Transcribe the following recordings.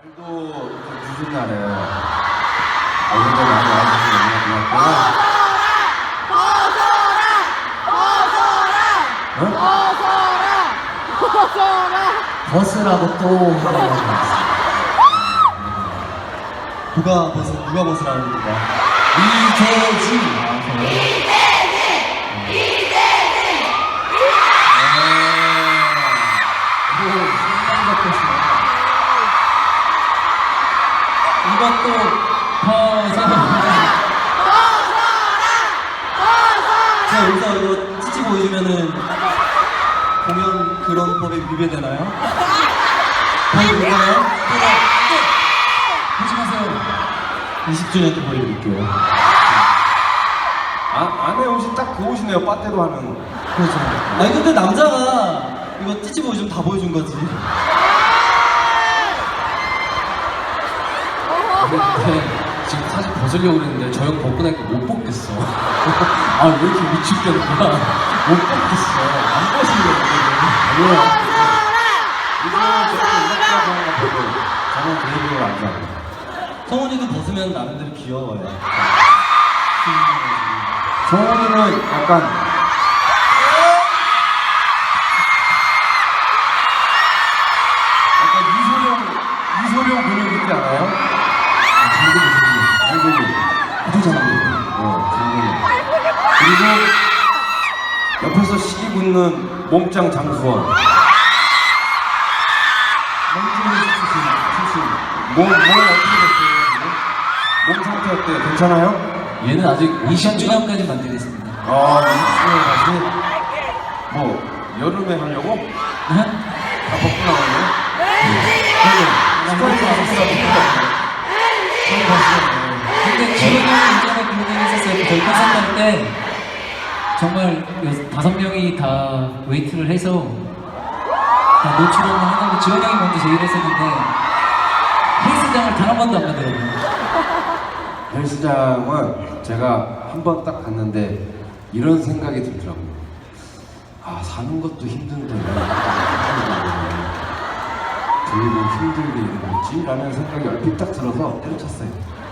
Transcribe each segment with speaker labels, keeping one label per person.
Speaker 1: 또 무슨 날이에요? 오늘도 많이 와주셔서 너무 고맙고요.
Speaker 2: 버스라고 또 누가 버스라는 건가? 이재진. 이것도 제가 여기서 이거 찌찌 보여주면은 공연 그런 법에 위배되나요? 보여드릴까요? 하지 마세요. 20주년 때 보여드릴게요.
Speaker 1: 안에 옷이 딱 그 옷이네요. 빠떼도 하는.
Speaker 2: 그렇죠. 아니 근데 남자가 이거 찌찌 보여주면 다 보여준 거지.
Speaker 3: 지금 사실 벗으려고 그랬는데 저 형 벗고 나니까 못 벗겠어. 아, 왜 이렇게 위축되는 거야? 못 벗겠어. 안 벗으려고 그랬는데.
Speaker 1: 저는 그 얘기를 안 좋아해요.
Speaker 2: 성훈이도 벗으면 나름대로 귀여워요.
Speaker 1: 성훈이는 약간 이소룡 근육 있지 않아요? 장근육. 장근육. 그리고 옆에서 시기 굳는 몸짱 장수원. 몸 어떻게 됐어요? 몸 상태 어때요? 괜찮아요?
Speaker 3: 얘는 아직 20주년까지 만들겠습니다.
Speaker 1: 20주년 다시 뭐 여름에 하려고?
Speaker 3: 네?
Speaker 1: 다 벗고 나가려고?
Speaker 3: 근데 지훈이 형이 예전에 그런 얘기 했었어요. 저희 콘서트 할 때 정말 5명이 다 웨이트를 해서 다 노출을 하는데 지훈이 형이 먼저 제의를 했었는데 헬스장을 단 한 번도 안 가더라고요.
Speaker 1: 헬스장은 제가 한 번 딱 갔는데 이런 생각이 들더라고요. 아, 사는 것도 힘든데 들고 힘들게 이러지? 라는 생각이 얼핏 딱 들어서 때려쳤어요.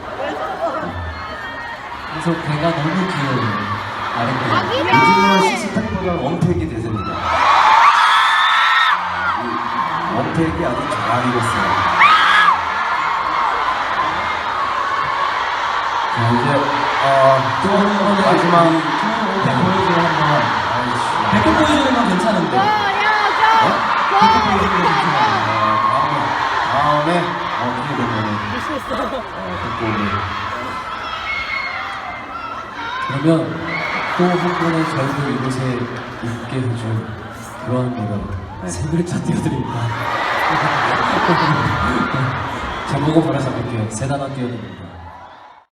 Speaker 3: 그래서 배가 너무 귀여워요. 아랫배가.
Speaker 1: 요즘은 시스템보다 원팩이 대세입니다. 이 원팩이 아주 잘 익었어요. 자, 이제 또 한 번 마지막
Speaker 2: 원팩 보여주면 한번. 백팩 보여주는 건 괜찮은데. 백팩 보여주는 건 괜찮아요.
Speaker 1: 다음에 어떻게 되면은
Speaker 3: 그러면 또 한 번의 저희를 이곳에 있게 해준 그런 노래 세 글자 띄워드립니다. 제목은 바로 잡을게요. 세 단어 띄워드립니다.